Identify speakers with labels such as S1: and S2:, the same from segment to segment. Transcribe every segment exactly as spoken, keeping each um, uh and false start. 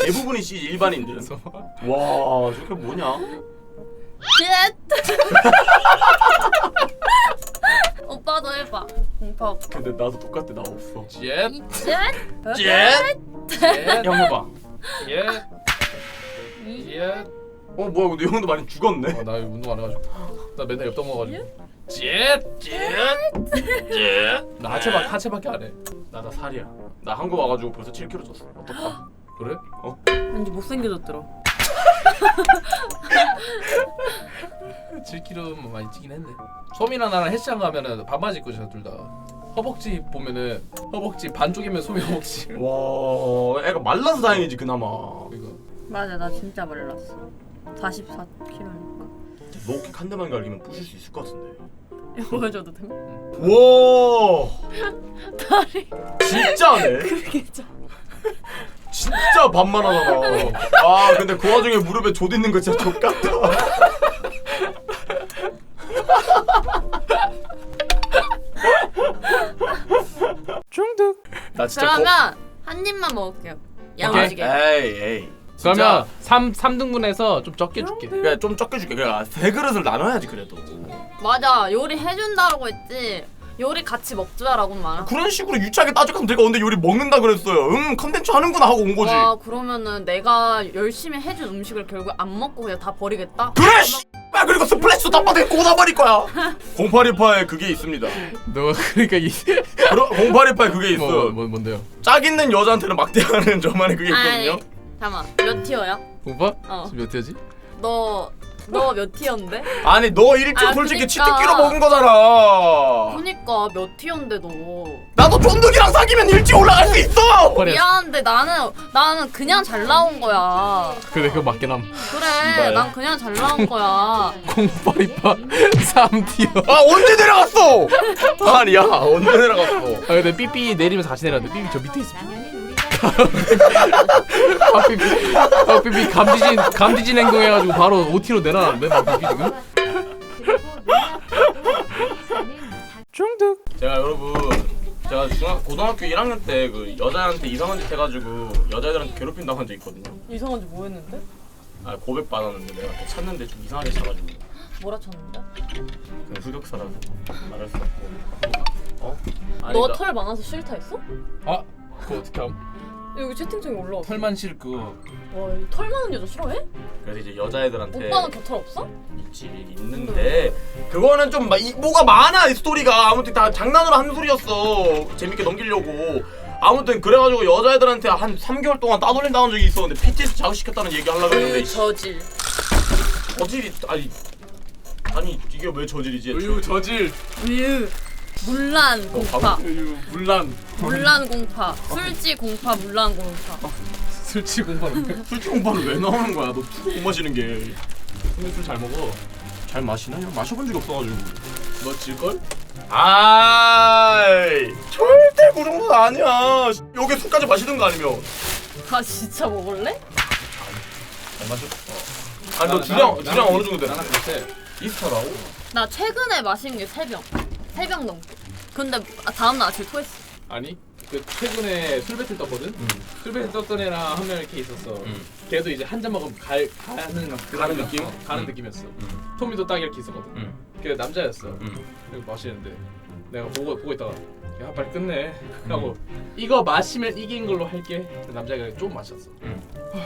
S1: 대부분이 C 일반인들은. 와 저게 뭐냐?
S2: 젯. 오빠도 해봐. 공파.
S1: 근데 나도 똑같아. 나 없어.
S3: 젯.
S2: 젯.
S1: 젯.
S3: 젯.
S1: 형 해봐.
S3: 젯. 젯.
S1: 어 뭐야 근데 형도 많이 죽었네.
S3: 어, 나 운동 안 해가지고. 나 맨날 옆동 먹어가지고. 젯.
S1: 젯. 젯.
S3: 나 하체밖 하체밖에 안 해.
S1: 나 나 살이야. 나 한국 와가지고 벌써 칠 킬로그램 쪘어. 어떡하?
S3: 그래?
S1: 어?
S2: 왠지 못생겨졌더라.
S3: 칠 킬로그램 많이 찌긴 했네. 소미랑 나랑 헬스장 가면은 반바지 입고 있어 둘 다. 허벅지 보면은 허벅지 반쪽이면 소미 허벅지.
S1: 와 애가 말라서 다행이지 그나마.
S3: 이거.
S2: 맞아, 나 진짜 말랐어. 사십사 킬로그램이니까.
S1: 로킥 한 대만 갈기면 부실 수 있을 것 같은데.
S2: 이거 보여줘도 돼?
S1: 와
S2: 다리.
S1: 진짜네.
S2: 그게 좀.
S1: 진짜 반만하잖아. 아 근데 그 와중에 무릎에 조 있는 거 진짜 족같다.
S3: 중독.
S1: 나 진짜
S2: 그러면 한 입만 먹을게요. 야무지게.
S1: 에이 에이.
S3: 그러면 삼 삼등분해서 좀 적게 줄게.
S1: 그래 좀 적게 줄게. 그래 세 그릇을 나눠야지 그래도.
S2: 맞아, 요리 해준다고 했지. 요리 같이 먹자라고는 말아.
S1: 그런 식으로 유치하게 따져가면 내가 언제 요리 먹는다 그랬어요. 응 컨텐츠 하는구나 하고 온 거지.
S2: 와, 그러면은 내가 열심히 해준 음식을 결국 안 먹고 그냥 다 버리겠다?
S1: 그래 씨. 아 그리고 스플래시도 땅바닥에 꽂아버릴 거야. 공팔이팔에 그게 있습니다.
S3: 너 그러니까 이
S1: 그럼 공팔이팔에 그게 있어.
S3: 뭐, 뭐 뭔데요?
S1: 짝 있는 여자한테는 막대하는 저만의 그게 있거든요.
S2: 아니, 잠깐만. 몇 티어야?
S3: 오빠?
S2: 어.
S3: 지금 몇 티어지?
S2: 너, 너 몇 티어인데?
S1: 아니 너 일주
S2: 아,
S1: 솔직히
S2: 그니까.
S1: 치트키로 먹은 거잖아.
S2: 그니까 몇 티어인데 너.
S1: 나도 쫀득이랑 사귀면 일찍 올라갈 수 있어.
S3: 버려.
S2: 미안한데 나는 나는 그냥 잘 나온 거야.
S3: 그래 그거 맞긴 함.
S2: 그래,
S1: 씨발.
S2: 난 그냥 잘 나온 거야.
S3: 공파리파 삼 티어.
S1: 아 언제 내려갔어? 아니야 언제 내려갔어?
S3: 아 근데 삐삐 내리면서 같이 내렸는데 삐삐 저 밑에 있어. 아 삐삐 아 삐삐 감지진 감지진 행동해가지고 바로 오 티로 내려놨는데 나 삐삐 지금. 중독.
S1: 제가 여러분 제가 중학 고등학교 일 학년 때 그 여자한테 이상한 짓 해가지고 여자애들한테 괴롭힌다고 한 적 있거든요.
S2: 이상한지 뭐 했는데?
S1: 아 고백 받았는데 내가 걔 찾는데 좀 이상하게 찾아가지고
S2: 뭐라 쳤는데?
S1: 그냥 흑역사라서 말할 수 없고. 어? 아니다.
S2: 너 털 많아서 싫다 했어?
S3: 아 그거 어떻게 함?
S2: 여기 채팅창에 올라왔어.
S3: 털만 실 그거.
S2: 와, 이 털 많은 여자 싫어해?
S1: 그래서 이제 여자애들한테
S2: 오빠는 겨털 없어?
S1: 있지 있는데 그거는 좀 마, 이, 뭐가 많아 이 스토리가. 아무튼 다 장난으로 한 소리였어. 재밌게 넘기려고. 아무튼 그래가지고 여자애들한테 한 삼 개월 동안 따돌림당한 적이 있었는데 피티에스 자극시켰다는 얘기 하려고 했는데
S2: 그 저질.
S1: 저질이 아니 아니 이게 왜 저질이지?
S3: 우유 저질.
S2: 으 물란 공파.
S3: 우유 물란.
S2: 물란 공파. 술지 공파. 물란 공파.
S3: 술취 공파는.
S1: 술집 공부는 왜 나오는 거야? 너 술 못 마시는 게.
S3: 근데 술 잘 먹어.
S1: 잘 마시나? 형 마셔본 적이 없어가지고.
S3: 너 질걸?
S1: 아이 절대 그 정도는 아니야. 여기 술까지 마시는 거 아니면.
S2: 아, 진짜 먹을래?
S3: 잘 마셔. 어.
S1: 아니 너 주량 주량 어느 정도 되나?
S3: 나는 그때
S1: 이스터라고?
S2: 나 최근에 마신 게 세 병. 세 병 넘게. 근데 아, 다음날 아침에 토했어.
S3: 아니 그 최근에 술 배틀 떴거든.
S1: 응.
S3: 술 배틀 떴던 애랑 한 명 이렇게 있었어.
S1: 응.
S3: 걔도 이제 한 잔 먹으면 갈 가는
S1: 가는 느낌?
S3: 어, 가는
S1: 응.
S3: 느낌이었어.
S1: 응.
S3: 토미도 딱 이렇게 있었거든.
S1: 응.
S3: 걔 남자였어.
S1: 응.
S3: 그리고 마시는데 내가 보고 보고 있다가 야 빨리 끝내 하고 이거 마시면 이긴 걸로 할게. 남자가 좀 마셨어.
S1: 응.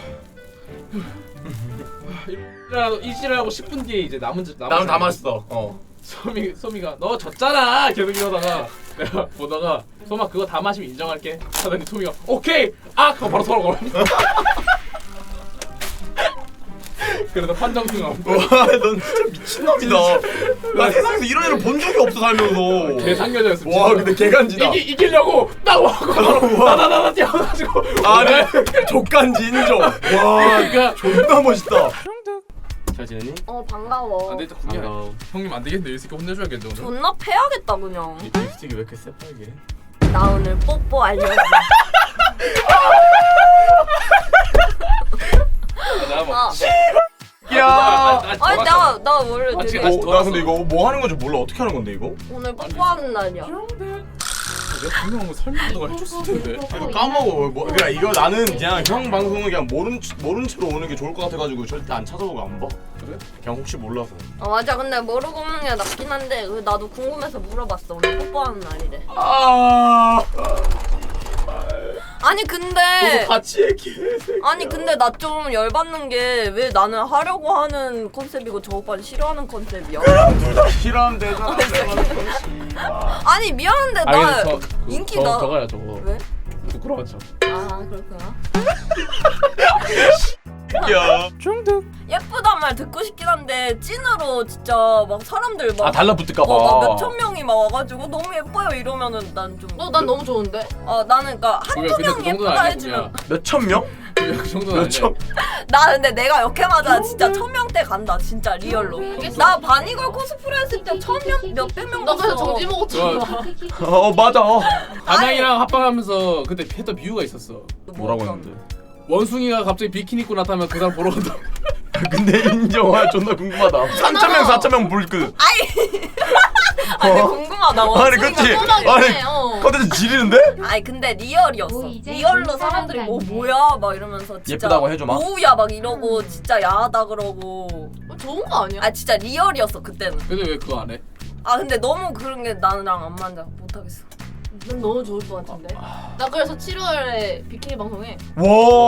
S3: 일하고 일하고 십 분 뒤에 이제 남은 남은
S1: 나는 다
S3: 사람이
S1: 마셨어. 어.
S3: 소미 소미가 너 졌잖아 계속 이러다가 내가 보다가 소마 그거 다 마시면 인정할게 하더니 소미가 오케이 아 하고 바로 서로 걸어. 그러다 판정승하고
S1: 와넌 진짜 미친놈이다. 나 세상에서 이런 애를 본 적이 없어 살면서.
S3: 개상여자였어.
S1: 와 근데 개간지다.
S3: 이기 이기려고 딱 와고 바로 나나나나 뛰어가지고
S1: 아니 족간지 인정. 와
S3: 그러니까
S1: 존나 멋있다. 잘 지내니?
S2: 어, 반가워.
S3: 안돼 일단 군대 형님 안 되겠네 이 새끼 혼내줘야겠네 오늘.
S2: 존나 패야겠다 그냥.
S1: 이 립스틱이 왜 이렇게 새빨개?
S2: 나 오늘 뽀뽀 알려줘.
S3: 나봐.
S1: 야.
S2: 아니 나 나 원래
S3: 아,
S2: 되게
S3: 지금
S1: 어, 나 근데 이거 뭐 하는 건지 몰라. 어떻게 하는 건데 이거?
S2: 오늘 뽀뽀하는 날이야.
S3: 내가 분명한 거 설명도 해줬을 텐데.
S1: 이거 까먹어. 뭐, 그러니까 이거 나는 그냥 형 방송은 그냥 모른 모른 채로 오는 게 좋을 것 같아가지고 절대 안 찾아보고 안 봐.
S3: 그래?
S1: 그냥 혹시 몰라서.
S2: 어 맞아. 근데 모르고 오는 게 낫긴 한데 그 나도 궁금해서 물어봤어. 오늘 뽀뽀하는 날이래.
S1: 아.
S2: 아니 근데
S1: 같이 얘기해.
S2: 아니 근데 나 좀 열받는 게 왜 나는 하려고 하는 컨셉이고 저 오빠는 싫어하는 컨셉이야?
S1: 둘 다 싫어하면 되잖아.
S2: 아니 미안한데 나
S3: 아니, 저,
S2: 인기
S3: 저,
S2: 나
S3: 저거야 저거.
S2: 왜?
S3: 부끄러운 척.
S2: 아 그렇구나.
S1: 야.
S3: 중독.
S2: 예쁘단 말 듣고 싶긴 한데 찐으로 진짜 막 사람들 막
S1: 아 달라붙을까봐.
S2: 어, 막 몇천 명이 막 와가지고 너무 예뻐요 이러면은 난 좀.
S4: 어, 난 너무 좋은데?
S2: 어 나는 그러니까 한두
S3: 근데 그
S2: 명
S3: 정도는
S2: 예쁘다
S3: 아니야,
S2: 해주면.
S1: 몇 천 명?
S3: 그냥 그 정도는
S1: 몇
S3: 아니야.
S1: 천?
S2: 나 근데 내가 역해마다 진짜 천 명대 간다 진짜 리얼로.
S4: 알겠어.
S2: 나 바니걸 코스프레 했을 때 천 명 몇백 명
S4: 너 그래서
S2: 봤어.
S4: 정지 먹었잖아.
S1: 어 맞아.
S3: 담양이랑 합방하면서 그때 했던 비유가 있었어.
S1: 뭐라고 했는데?
S3: 원숭이가 갑자기 비키니 입고 나타나면 그 사람 보러 간다.
S1: 근데 인정아 존나 궁금하다. 삼천 명, 사천 명 불그.
S2: 아니 궁금하다.
S1: 아니
S2: 원숭이가
S1: 그치?
S4: 궁금하긴
S1: 아니
S4: 해, 어.
S1: 컨텐츠 지리는데?
S2: 아니 근데 리얼이었어. 리얼로 사람들이 뭐 뭐야 막 이러면서 진짜
S1: 예쁘다고 해줘, 막?
S2: 오우야 막 이러고 진짜 야하다 그러고.
S4: 어, 좋은 거 아니야?
S2: 아 진짜 리얼이었어 그때는.
S3: 근데 왜 그거 안 해?
S2: 아 근데 너무 그런 게 나랑 안 맞아. 못하겠어.
S4: 난 너무 좋을 것 같은데. 나 그래서 칠월에 비키니 방송에
S1: 와.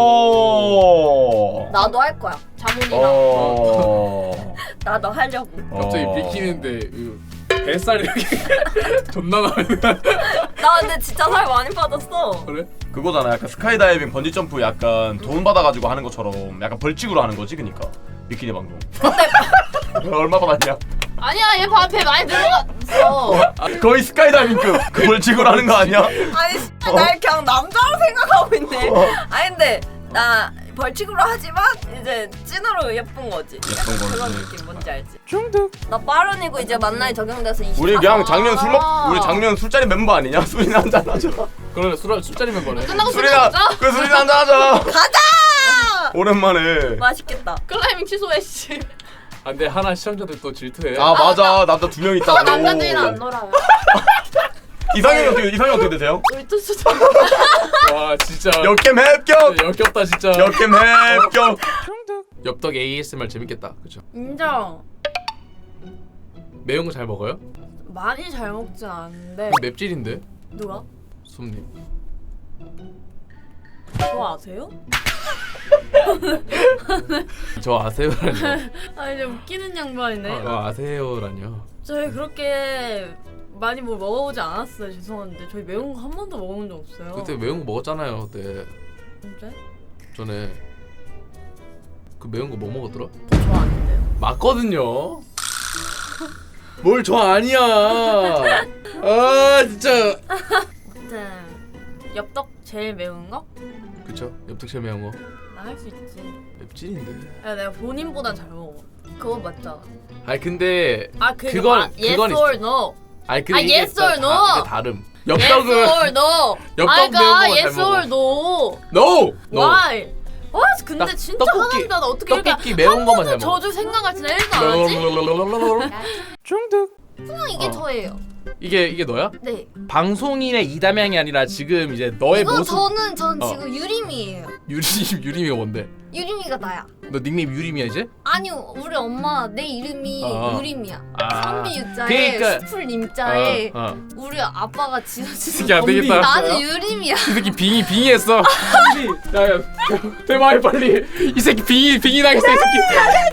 S2: 나도 할 거야.
S4: 자몽이랑
S1: 어.
S2: 나도 하려고.
S3: 갑자기
S1: 어.
S3: 비키니인데 그 뱃살 이렇게 존나 나는.
S2: 나 근데 진짜 살 많이 빠졌어.
S3: 그래?
S1: 그거잖아. 약간 스카이다이빙, 번지 점프 약간 돈 받아가지고 하는 것처럼 약간 벌칙으로 하는 거지, 그니까 비키니 방송. 얼마 받았냐?
S4: 아니야 얘 밥에 많이 들어갔어.
S1: 거의 스카이다이빙급 그 벌칙으로 하는 거 아니야?
S2: 아니 진짜 날 그냥 남자로 생각하고 있네. 아니 근데 나 벌칙으로 하지만 이제 찐으로 예쁜 거지.
S1: 예쁜
S2: 약간
S1: 거지.
S2: 그런 느낌 뭔지 알지?
S3: 중독.
S2: 나 빠른이고 이제 만나이 적용돼서 이십.
S1: 우리 그냥 작년 술 먹,
S4: 아.
S1: 우리 작년 술자리 멤버 아니냐? 술이나 한잔 하자.
S3: 그러네 술 술자리면 거네.
S4: 끝나고 술
S1: 술이나
S4: 먹자.
S1: 그 술이나 한잔 하자.
S2: 가자.
S1: 오랜만에.
S2: 맛있겠다.
S4: 클라이밍 취소해 씨.
S3: 아, 근데 하나 시청자들 또 질투해.
S1: 아 맞아 남자 두 명 있다고.
S4: 남자들이랑 안 놀아요.
S1: 이상형이 어떻게 이상형 어떻게 되세요?
S4: 우리 투수
S3: 와 진짜.
S1: 역캠 합격.
S3: 역겹다 진짜.
S1: 역캠 합격.
S3: 엽떡 에이에스엠알 재밌겠다. 그쵸?
S2: 인정.
S3: 매운 거 잘 먹어요?
S2: 많이 잘 먹진 않는데.
S3: 맵찔인데?
S2: 누가?
S3: 솜님.
S2: 저 아세요?
S3: 저 아세요라뇨.
S2: 아 이제 웃기는 양반이네.
S3: 저 아세요라뇨.
S2: 저희 그렇게 많이 뭐 먹어보지 않았어요. 죄송한데 저희 매운 거 한 번도 먹어본 적 없어요.
S3: 그때 매운 거 먹었잖아요. 그때
S2: 진짜?
S3: 전에 그 매운 거 뭐 먹었더라?
S2: 저 아닌데요.
S3: 맞거든요. 뭘 저 아니야. 아 진짜.
S2: 아무튼 엽떡 제일 매운 거?
S3: 그쵸? 엽떡 제일 매운 거.
S2: 나 할 수 있지.
S3: 맵찔인데.
S2: 야 내가 본인보단 잘 먹어. 그거 맞잖아.
S3: 아니 근데
S2: 아 그거
S3: 그건-
S2: 아, yes
S3: 그건
S2: or
S3: 있어.
S2: no.
S3: 아니 근데
S2: 아,
S3: 이게
S2: yes or
S3: 다-
S2: no?
S3: 이게 다름.
S2: yes
S3: 엽떡은
S2: or no.
S3: 엽떡
S2: 아
S3: 매운
S2: 그러니까
S3: 거잘
S2: yes
S3: 먹어.
S2: or no.
S3: No. No.
S2: Why? 와 근데
S3: 딱
S2: 진짜
S3: 떡볶이-
S2: 화난다. 나 어떻게 이렇게
S3: 떡볶이 매운 것만 잘
S2: 한 번도
S3: 먹어.
S2: 저주 생각할 줄 일도 안 하지?
S3: 중독.
S2: 그냥 이게
S3: 어.
S2: 저예요.
S3: 이게 이게 너야?
S2: 네.
S3: 방송인의 이담양이 아니라 지금 이제 너의
S2: 이거
S3: 모습.
S2: 저는 전
S3: 어.
S2: 지금 유림이에요.
S3: 유림 유림이가 뭔데?
S2: 유림이가 나야.
S3: 너 닉네임 유림이야 이제?
S2: 아니요, 우리 엄마 내 이름이
S3: 어.
S2: 유림이야.
S3: 아.
S2: 선비 유자에
S3: 그러니까-
S2: 수풀 님자에
S3: 어, 어.
S2: 우리 아빠가 지어주신
S3: 이게 안 되겠다.
S2: 나는 유림이야.
S3: 이 새끼 빙이 빙의했어. 야야 대마이 빨리. 이 새끼 빙이 빙이 나겠어 이 새끼.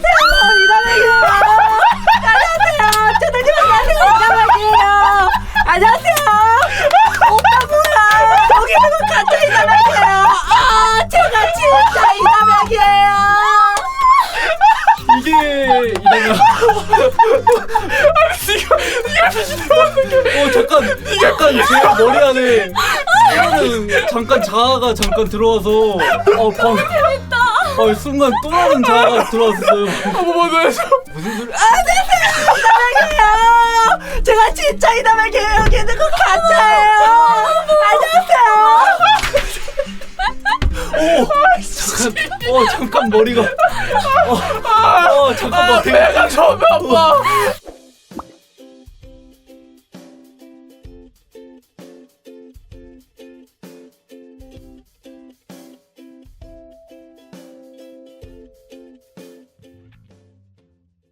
S2: 안녕하세요. 오빠 뭐야? 여기 보고 가짜 이담양이에요. 아, 제가 진짜 이담양이에요.
S5: 이게 이다가 어 잠깐 잠깐 제 머리 안에 이거는 잠깐 자아가 잠깐 들어와서 어방 어 순간 또 다른 자아가 들어왔어요.
S3: 어머 너였어.
S5: 무슨 소리?
S2: 이담양이에요. 제가 진짜 이담양이에요. 여기 있는 건 가짜예요. 안녕하세요.
S5: 잠깐 어 잠깐 머리가 어, 어 잠깐 머리가
S3: 내가 처음에 아빠.